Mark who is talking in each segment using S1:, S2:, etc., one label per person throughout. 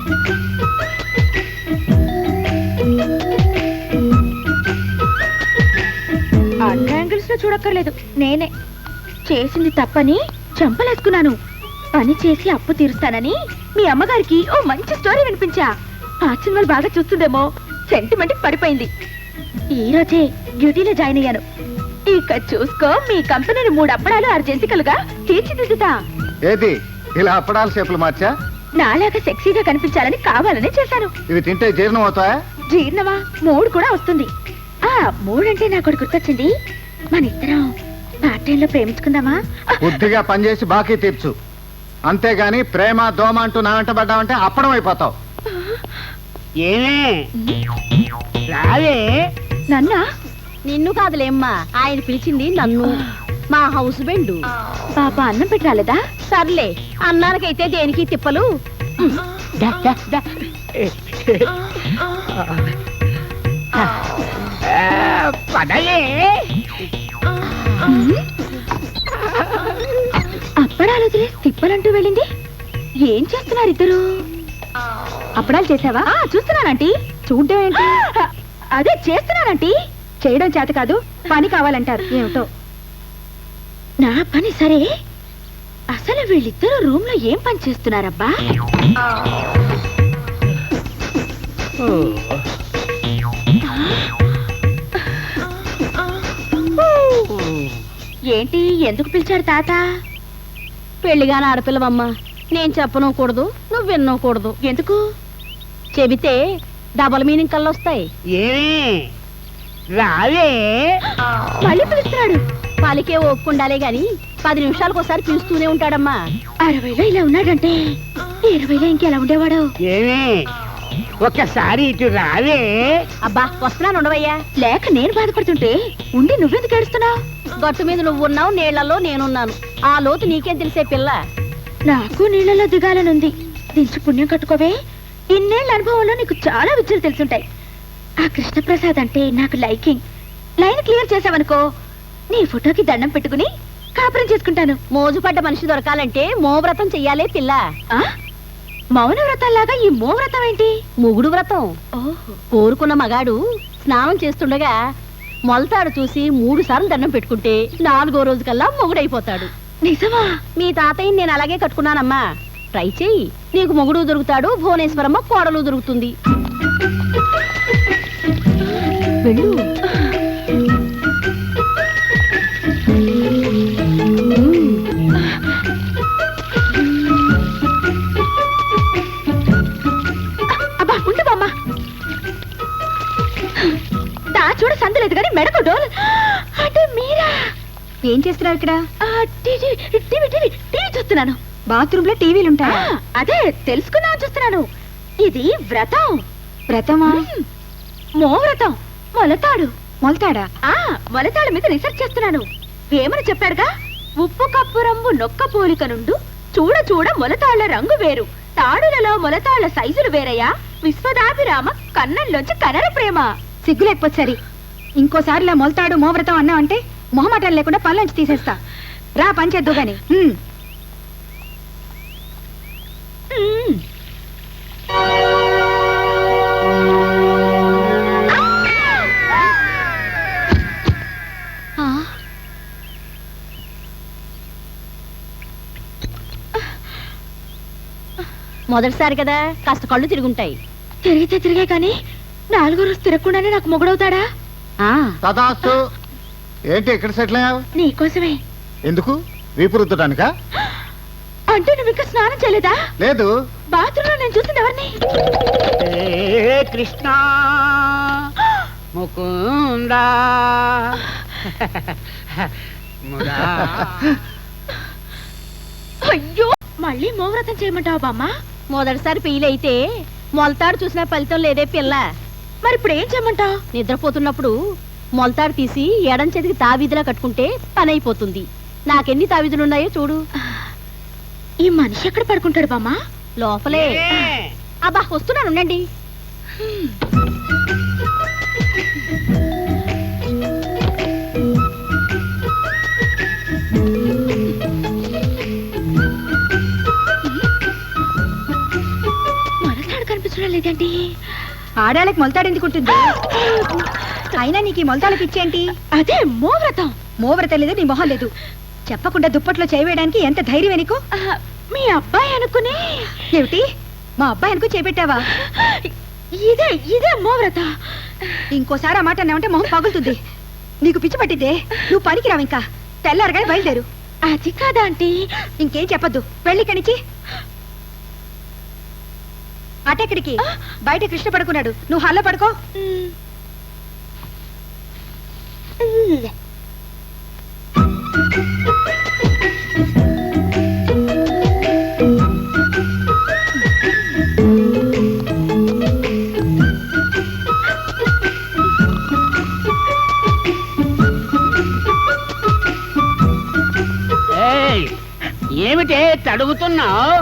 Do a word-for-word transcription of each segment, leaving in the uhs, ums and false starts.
S1: అన్ని యాంగిల్స్ లో చూడక్కర్లేదు, నేనే చేసింది తప్పని చంపలేసుకున్నాను. పని చేసి అప్పు తీరుస్తానని మీ అమ్మగారికి ఓ మంచి స్టోరీ వినిపించా. ఆ సినిమాలు బాగా చూస్తుందేమో సెంటిమెంట్ పడిపోయింది. ఈ రోజే డ్యూటీలో జాయిన్ అయ్యాను. ఇక చూసుకో, మీ కంపెనీని మూడు అప్పడాలు అర్జెంటికలుగా తీర్చిదిద్దుతా.
S2: ఏది ఇలా అప్పడాల షేపులు మార్చా?
S1: నాలాగా సెక్సీగా కనిపించాలని కావాలని చేశాను.
S2: ఇవి తింటే జీర్ణం అవుతాయా?
S1: జీర్ణమా? మూడు కూడా వస్తుంది. ఆ మూడంటే నాకు ఒకటి గుర్తొచ్చింది. మన ఇద్దరం పార్ట్ టైంలో ప్రేమించుకుందామా?
S2: బుద్ధిగా పనిచేసి బాకీ తీర్చు, అంతేగాని ప్రేమ దోమ అంటూ నా వెంట పడ్డావంటే అప్పడం అయిపోతావు.
S3: ఏమే రావే.
S1: నన్నా?
S4: నిన్ను కాదులేమ్మా, ఆయన పిలిచింది నన్ను, మా హౌస్ బెండు.
S1: పాప అన్నం పెట్టి రాలేదా?
S4: సర్లే, అన్నానికైతే దేనికి తిప్పలు.
S3: దా, దా, దా. ఆ, పదలే.
S1: అప్పడాలు వదిలే తిప్పలంటూ వెళ్ళింది. ఏం చేస్తున్నారు ఇద్దరు? అప్పడాలు చేసావా? చూస్తున్నానంటీ. చూడ్డం ఏంటి? అదే చేస్తున్నానంటీ. చేయడం చేత కాదు, పని కావాలంటారు. ఏమిటో నా పని సరే, అసలు వీళ్ళిద్దరు రూమ్ లో ఏం పని చేస్తున్నారబ్బా? ఏంటి, ఎందుకు పిలిచాడు తాత?
S4: పెళ్లిగాని ఆడపిల్లవమ్మ, నేను చెప్పనకూడదు, నువ్వు విన్నకూడదు.
S1: ఎందుకు?
S4: చెబితే డబల్ మీనింగ్ కళ్ళు వస్తాయి.
S3: ఏమే రావే.
S1: మళ్ళీ పిలుస్తున్నాడు.
S4: పలికే ఒప్పుకుండాలే గాని పది నిమిషాలకు ఒకసారి పిలుస్తూనే ఉంటాడమ్మా.
S1: అరవైలో ఇలా ఉన్నాడంటే ఇరవైలో ఇంకెలా ఉండేవాడు?
S3: ఏమే ఒక్కసారి ఇటు రావే.
S4: అబ్బా వస్తున్నాను, ఉండవయ్యా.
S1: లేక నేను బాధపడుతుంటే ఉండి నువ్వెందుకు ఏడుస్తున్నావు?
S4: గట్టు మీద నువ్వు ఉన్నావు, నీళ్లలో నేనున్నాను. ఆ లోతు నీకేం తెలిసే పిల్ల.
S1: నాకు నీళ్ళలో దిగాలనుంది. దించి పుణ్యం కట్టుకోవే. ఇన్నేళ్ల అనుభవంలో నీకు చాలా విద్యలు తెలుసుంటాయి. ఆ కృష్ణప్రసాద్ అంటే నాకు లైకింగ్. లైన్ క్లియర్ చేసావనుకో, నీ ఫోటోకి దండం పెట్టుకుని కాపురం చేసుకుంటాను.
S4: మోజుపడ్డ మనిషి దొరకాలంటే మోవ్రతం చెయ్యాలే పిల్ల.
S1: ఆ మౌన వ్రతంలాగా ఈ మో వ్రతం ఏంటి?
S4: మొగుడు వ్రతం.
S1: ఓహో.
S4: కోరుకున్న మగాడు స్నానం చేస్తుండగా మొలతాడు చూసి మూడు సార్లు దండం పెట్టుకుంటే నాలుగో రోజు కల్లా మొగుడైపోతాడు.
S1: నిజమా?
S4: మీ తాతయ్యని నేను అలాగే కట్టుకున్నానమ్మా. ట్రై చెయ్యి, నీకు మొగుడు దొరుకుతాడు, భువనేశ్వరమ్మ కోడలు దొరుకుతుంది. వెళ్ళు.
S1: అబ్బా ఉండు బామ్మ. దా చూడు, సందులేదు కానీ మెడకు డోల్. అంటే మీరా? ఏం చేస్తున్నారు ఇక్కడ? టీవీ టీవీ టీవీ టీవీ చూస్తున్నాను. బాత్రూమ్ లో టీవీలు ఉంటాయా? అదే తెలుసుకుందాం చూస్తున్నాను. ఇది వ్రతం. వ్రతమా? మో వ్రతం. మొలతాడు. మొలతాడా? ఆ మొలతాడు మీద రీసెర్చ్ చేస్తున్నాను. వేమని చెప్పాడుగా, ఉప్పు కప్పు రంగు నొక్క పోలిక నుండు చూడ చూడ మొలతాళ్ల రంగు వేరు, తాడులలో మొలతాళ్ల సైజులు వేరయ్యా, విశ్వదాభిరామ కన్నంలోంచి కనర ప్రేమ. సిగ్గు లేకపోతే సరి, ఇంకోసారి ఇలా మొలతాడు మోవ్రతం అన్నా అంటే మొహమాటాలు లేకుండా పళ్ళంచి తీసేస్తా. రా పంచేద్దు గాని.
S4: మొదటిసారి కదా, కాస్త కళ్ళు తిరుగుంటాయి.
S1: తిరిగితే తిరిగే కానీ నాలుగో రోజు తిరగకుండానే నాకు మొగుడవుతాడా?
S2: తదాస్తు. ఏంటి ఇక్కడ సెటిల్ అయ్యావు?
S1: నీకోసమే.
S2: ఎందుకు? వీపు రుద్దడానికా?
S1: అంటే నువ్వు ఇంకా స్నానం చేయలేదా?
S2: లేదు.
S1: బాత్రూమ్ లో నేను చూసింది ఎవరిని?
S3: కృష్ణ ముకుంద
S1: అయ్యో, మళ్ళీ మోవ్రతం చేయమంటావా బామ్మ?
S4: మొదటిసారి పెయిలైతే మొలతాడు చూసిన ఫలితం లేదే పిల్ల.
S1: మరి ఇప్పుడు ఏం చేయమంటావు?
S4: నిద్రపోతున్నప్పుడు మొలతాడు తీసి ఎడం చేతికి తావీధిలా కట్టుకుంటే పని అయిపోతుంది. నాకెన్ని తావీధులున్నాయో చూడు.
S1: ఈ మనిషి ఎక్కడ పడుకుంటాడు బామ్మ?
S4: లోపలే. అబ్బా వస్తున్నాను, ఉండండి. మొలతాడు
S1: అవసరం లేదండి.
S5: ఆడాళ్ళకి మొలతాడు ఎందుకుంటుంది? అయినా నీకు ఈ మొలతాడు పిచ్చేంటి?
S1: అదే మోవ్రతం.
S5: మోవ్రతం లేదు, నీ మొహం లేదు. చెప్పకుండా దుప్పట్లో చేయవేయడానికి ఎంత ధైర్యం నీకు?
S1: ఆ, మీ అబ్బాయి అనుకుని.
S5: ఏమిటి, మా అబ్బాయి అనుకు చేపెట్టావా?
S1: ఇదే ఇదే మోవ్రత.
S5: ఇంకోసారి ఆ మాట అన్నావంటే మొహం పగులుతుంది. నీకు పిచ్చి పట్టిద్దే, నువ్వు పనికిరావు. ఇంకా తెల్లారగానే బయలుదేరు.
S1: అది కాదా ఆంటీ.
S5: ఇంకేం చెప్పొద్దు, వెళ్ళి కణిచి. అటెక్కడికి? బయట కృష్ణ పడుకున్నాడు, నువ్వు హాల్లో పడుకో.
S3: ఏయ్, ఏమిటే తడుగుతున్నావు?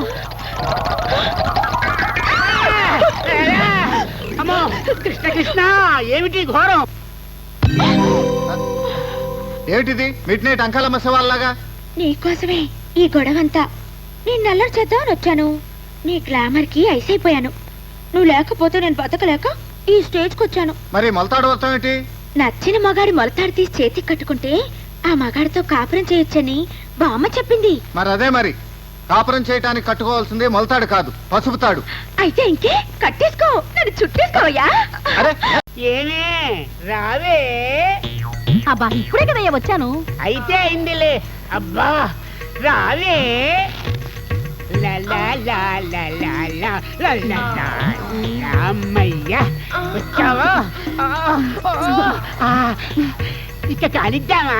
S3: అమ్మో కృష్ణ కృష్ణ, ఏమిటి ఘోరం?
S2: ఏమిటిది మిడ్ నైట్ అంకాలమ్మ శవాల్లాగా?
S1: నీకోసమే ఈ గొడవంతా. నేను నల్లరి చేద్దామని వచ్చాను. నీ గ్లామర్ కి ఐసైపోయాను. నువ్వు లేకపోతే నేను బతకలేక ఈ స్టేజ్కి వచ్చాను.
S2: మరి మొలతాడు వర్తం ఏంటి?
S1: నచ్చిన మగాడి మొలతాడు తీసి చేతికి కట్టుకుంటే ఆ మగాడితో కాపురం చేయొచ్చని బామ్మ చెప్పింది.
S2: మరి అదే మరి, కాపురం చేయటానికి కట్టుకోవాల్సింది మొలతాడు కాదు, పసుపుతాడు.
S1: అయితే ఇంకే కట్టేసుకో, నన్ను చుట్టేసుకోవయ్యా.
S2: అరే
S3: ఏమే రావే.
S4: అబ్బా ఇప్పుడే కదయ్యా వచ్చాను.
S3: అయితే అయిందిలే. అబ్బా రావే. లా లా లా లా లా లా లా లా లా. అమ్మయ్యా వచ్చావా? ఆ, ఆ, ఇక కానిద్దామా?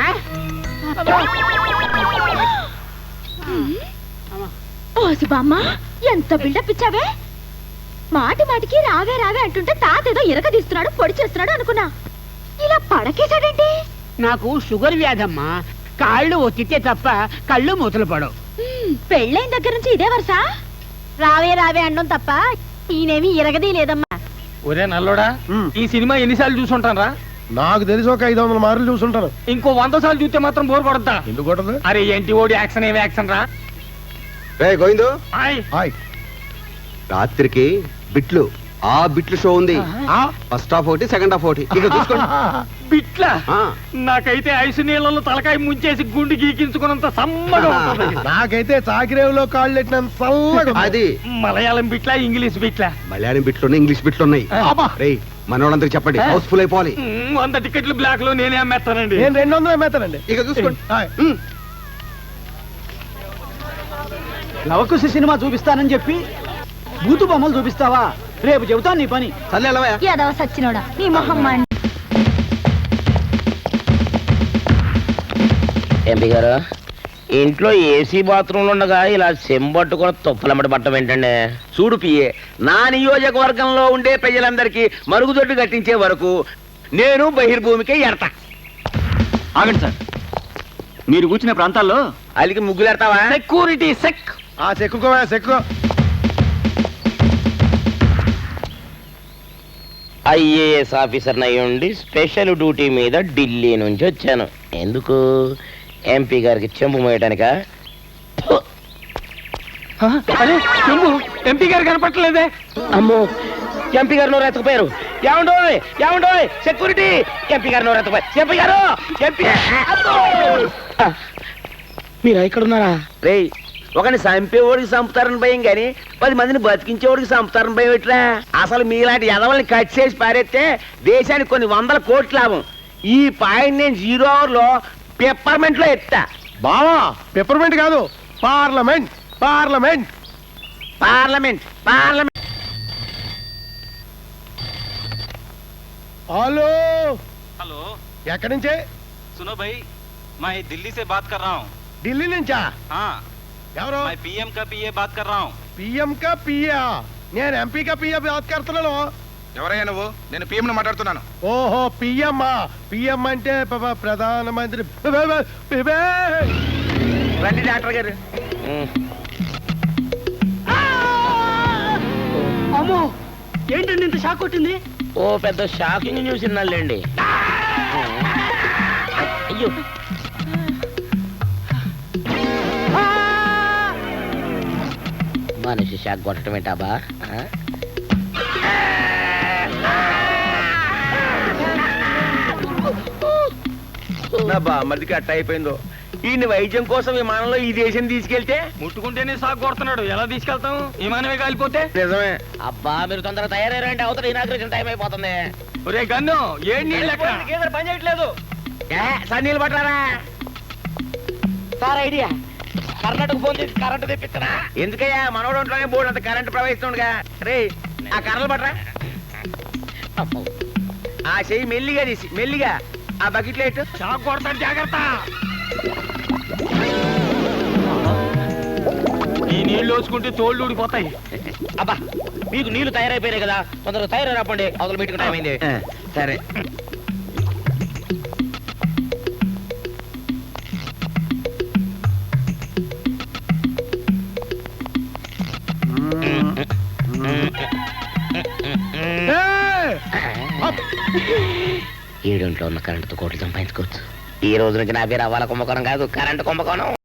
S1: ఓసి బామ్మ, ఎంత బిల్డప్ ఇచ్చావే. మాటి మాటికి రావే రావే అంటుంటే తాత ఏదో ఇరగదీస్తున్నాడు, పొడి చేస్తున్నాడు అనుకున్నా. ఇలా పడకేశాడేంటి?
S3: నాకు షుగర్ వ్యాధమ్మా. కాళ్ళు ఒత్తితే తప్ప కళ్ళు మూతలు పడవు.
S1: హ్మ్, పెళ్ళైన దగ్గర నుంచి ఇదే వరుస.
S4: రావే రావే అనడం తప్ప ఈయనేమి ఇరగదీ లేదమ్మా.
S6: ఒరే నల్లోడా, ఈ సినిమా ఎన్నిసార్లు చూసుంటారా?
S7: నాకు తెలిసి ఒక ఐదు వందల మార్లు చూసుంటాను.
S6: ఇంకో వంద సార్లు చూస్తే మాత్రం బోర్ పడద్దా?
S7: ఎందుకు కొట్టదు?
S6: అరే ఏంటి ఓడి యాక్షన్ ఏమి యాక్షన్ రా.
S8: రే గోవిందు,
S6: ఆయ్.
S7: హాయ్.
S8: రాత్రికి బిట్లు ఆ బిట్లు షో ఉంది.
S6: ఆ?
S8: ఫస్ట్ హాఫ్ ఒకటి, సెకండ్ హాఫ్ ఒకటి. ఇక చూసుకోండి.
S6: బిట్లా
S8: ఆ.
S6: నాకైతే ఐసు నీళ్ళలో తలకాయ ముంచేసి గుండు గీకించుకున్నంత సమ్మగా ఉంటది.
S7: నాకైతే చాకిరేవులో కాళ్ళు పెట్టినంత చల్లగా ఉంది.
S8: అది
S6: మలయాళం బిట్లా, ఇంగ్లీష్ బిట్లా?
S8: మలయాళం బిట్లు ఉన్నాయి, ఇంగ్లీష్ బిట్లు ఉన్నాయి.
S6: అబ్బా.
S8: రే మనోళ్ళందరికి చెప్పండి, హౌస్ఫుల్ అయిపోవాలి.
S6: మ్, వంద టికెట్లు బ్లాక్ లో నేనే అమ్మేస్తానండి.
S7: నేను రెండు వందలు అమ్మేతానండి.
S8: ఇక చూసుకోండి.
S7: హాయ్.
S8: ఉమ్.
S9: లవకుశ సినిమా చూపిస్తానని చెప్పి బూతు బొమ్మలు చూపిస్తావా? రేపు చెబుతాను నీ పని.
S8: చల్లే ఎలవయ్యా.
S5: యాదవ సచ్చినోడా, నీ మొహం మండి.
S10: ఎంపీ గారు, ఇంట్లో ఏసీ బాత్రూంలు ఉండగా ఇలా చెంబట్టుకుని తుప్పలమ్మడి పట్టం ఏంటండి? చూడు పిఏ, నా నియోజకవర్గంలో ఉండే ప్రజలందరికీ మరుగుదొడ్డు కట్టించే వరకు నేను బహిర్భూమికే ఎడతా.
S9: ఆగండి సార్, మీరు కూర్చునే ప్రాంతాల్లో
S10: అలికి ముగ్గులు ఎడతావా?
S6: సెక్యూరిటీ సెక్.
S7: ఆ చెక్కుకోవా చెక్కు.
S10: ఐఏఎస్ ఆఫీసర్ అయ్యుండి స్పెషల్ డ్యూటీ మీద ఢిల్లీ నుంచి వచ్చాను. ఎందుకు? ఎంపీ గారికి చెంబు మోయటానికా?
S6: అరే చెంబు, ఎంపీ గారు కనపట్టలేదే.
S10: అమ్మో, ఎంపీ గారు నోరు ఎత్తకపోయారు. ఏమండో ఏమండో సెక్యూరిటీ, ఎంపీ గారు నోరు ఎత్తకపోయారు. ఎంపీ గారు, ఎంపీ మీరు ఇక్కడ ఉన్నారా? రే, ఒకని చంపేవాడికి చంపుతారని భయం గాని పది మందిని బతికించేవాడికి చంపుతారని భయం ఎట్లా? అసలు మీలాంటి ఎదవల్ని కట్ చేసి పారేస్తే దేశానికి కొన్ని వందల కోట్ల లాభం. ఈ పాయింట్ నేను జీరో అవర్ లో పెప్పర్మెంట్ లో ఎత్తా.
S7: బావా, పెప్పర్మెంట్ కాదు, parliament. Parliament
S10: parliament parliament
S7: hello.
S11: Hello,
S7: ఎక్కడి నుంచే?
S11: सुनो भाई, मैं दिल्ली से बात कर रहा हूँ.
S7: ఢిల్లీ నుంచా?
S11: हाँ,
S7: ఎవరు?
S11: मैं पीएम का पीए बात कर रहा हूँ.
S7: పిఎం కా పియా? నేను ఎంపీ కా పియా బాత్ కడుతున్నాను.
S11: ఎవరయ్యా నువ్వు? నేను పీఎం ను మాట్లాడుతున్నాను.
S7: ఓహో, పిఎం. పిఎం అంటే ప- ప్రధానమంత్రి.
S10: రండి డాక్టర్ గారు.
S9: అమ్మో, ఏంటండి ఇంత షాక్ కొట్టింది?
S10: ఓ పెద్ద షాకింగ్ న్యూస్ విన్నాళ్ళండి. అయ్యో, మనిషి షాక్ కొట్టడం ఏంటాబా? నా బామ్మదికి అట్ట అయిపోయిందో. ఈ వైద్యం కోసం విమానంలో ఈ దేశం తీసుకెళ్తే
S6: ముట్టుకుంటేనే సాగు కొడుతున్నాడు, ఎలా తీసుకెళ్తాం? విమానమే కాలిపోతే?
S10: నిజమే.
S3: అబ్బా మీరు తొందరగా తయారయ్యారంటే అవతల ఇనాగ్రేషన్ టైం అయిపోతుంది.
S6: ఒరే గన్ను, ఏం నీళ్ళు ఎక్కడ?
S3: పని చేయట్లేదు
S10: సన్నీళ్ళు పట్టారా?
S3: సార్ ఐడియా, కర్ణాటక ఫోన్ చేసి కరెంట్ తెప్పిస్తున్నా.
S10: ఎందుకయ్యా మనోడు ఒంట్లోనే బోర్డు అంత కరెంట్ ప్రవహిస్తుండగా. రే ఆ కర్రలు పట్టరా. ఆ చెయ్యి మెల్లిగా తీసి మెల్లిగా ఆ బకెట్ లైట్
S6: షాక్ కొడతాడు, జాగ్రత్త. ఈ నీళ్ళు వచ్చుకుంటే తోళ్ళు ఊడిపోతాయి.
S3: అబ్బా మీకు నీళ్లు తయారైపోయాయి కదా, తొందరగా తయారై రాపండి, అవతల మీటింగ్ టైం అయింది.
S10: సరే.
S3: ఏడింట్లో ఉన్న కరెంటుతో కోట్లు సంపాదించుకోవచ్చు. ఈ రోజు నుంచి నా పేరు అవ్వాల కుంభకోణం కాదు, కరెంటు కుంభకోణం.